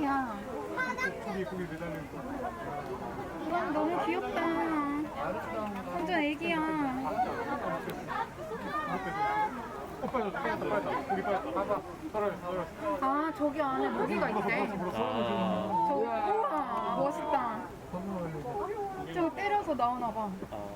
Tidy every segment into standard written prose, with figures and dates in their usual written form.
애기야. 저기 고기 매달린 거. 이건 너무 귀엽다. 완전 애기야. 빠졌다. 고기 빠졌다. 가자. 떨어졌어. 아, 저기 안에 모기가 있대. 아. 저, 우와, 멋있다. 저거 때려서 나오나봐.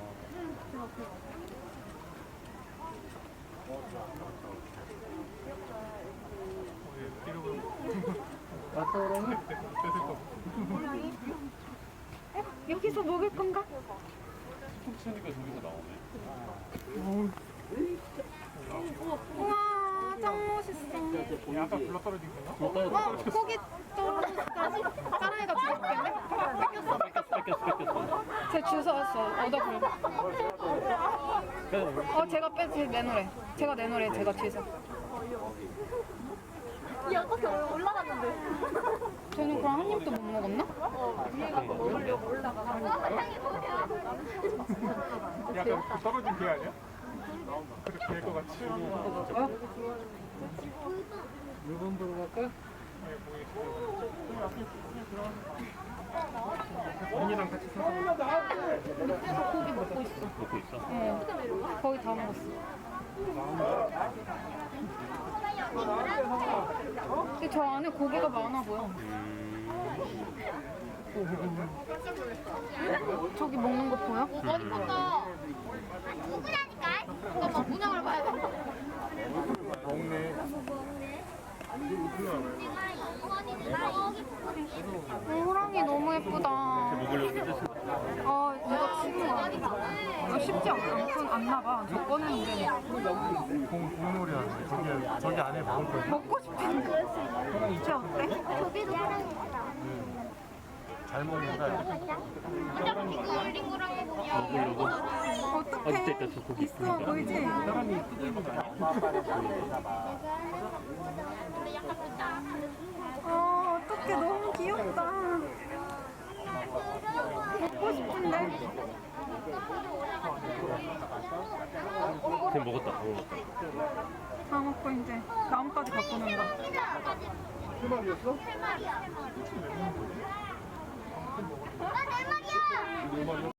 여기서 먹을 건가? 툭 치니까 저기서 나오네. 우와, 짱 멋있어. 아까 불러 떨어진 건가? 고기 떨어졌다. 사랑이가 죽었겠네? 뺏겼어. 제 주워왔어. 얻어버려. 제가 내놓으래. 제가 내놓으래. 제가 뒤에서. 이 아까 올라갔는데. 저는 그럼 한 입도 못 먹었나? 위에가 먹으려고 올라가서. 약간 그 떨어진 개 아니야? 그렇게 될 것 같이. 물건 보러 갈까? 언니랑 같이 사서 밑에서 고기 먹고 있어. 먹고 있어? 거의 다 먹었어. 근데 저 안에 고기가 많아 보여. 저기 먹는 거 보여? 어디 컸다. 누구라니까? 잠깐만 문양을 봐야 돼. 먹네. 호랑이 너무 예쁘다. 먹으려고 해줬어. 이거 치는 거 아니야? 이거 쉽지 않나 봐. 저 껐는데. 공놀이 하는데 저기 안에 먹을 거야. 먹고 싶은데. 진짜 어때? 저기도 사람이 있다. 잘 먹는다. 링구랑 해보냐. 먹으려고. 어떡해? 어디 있다, 저 고기 있어, 보이지? 사람이 뜯는 거 아니야? 근데 약간 진짜. 어떡해. 너무 귀엽다. 먹고 싶은데. 쟤 먹었다. 다 먹고 이제 나뭇가지 갖고 논다. 세 마리였어? 세 마리야. 아, 네 마리야. 네 마리.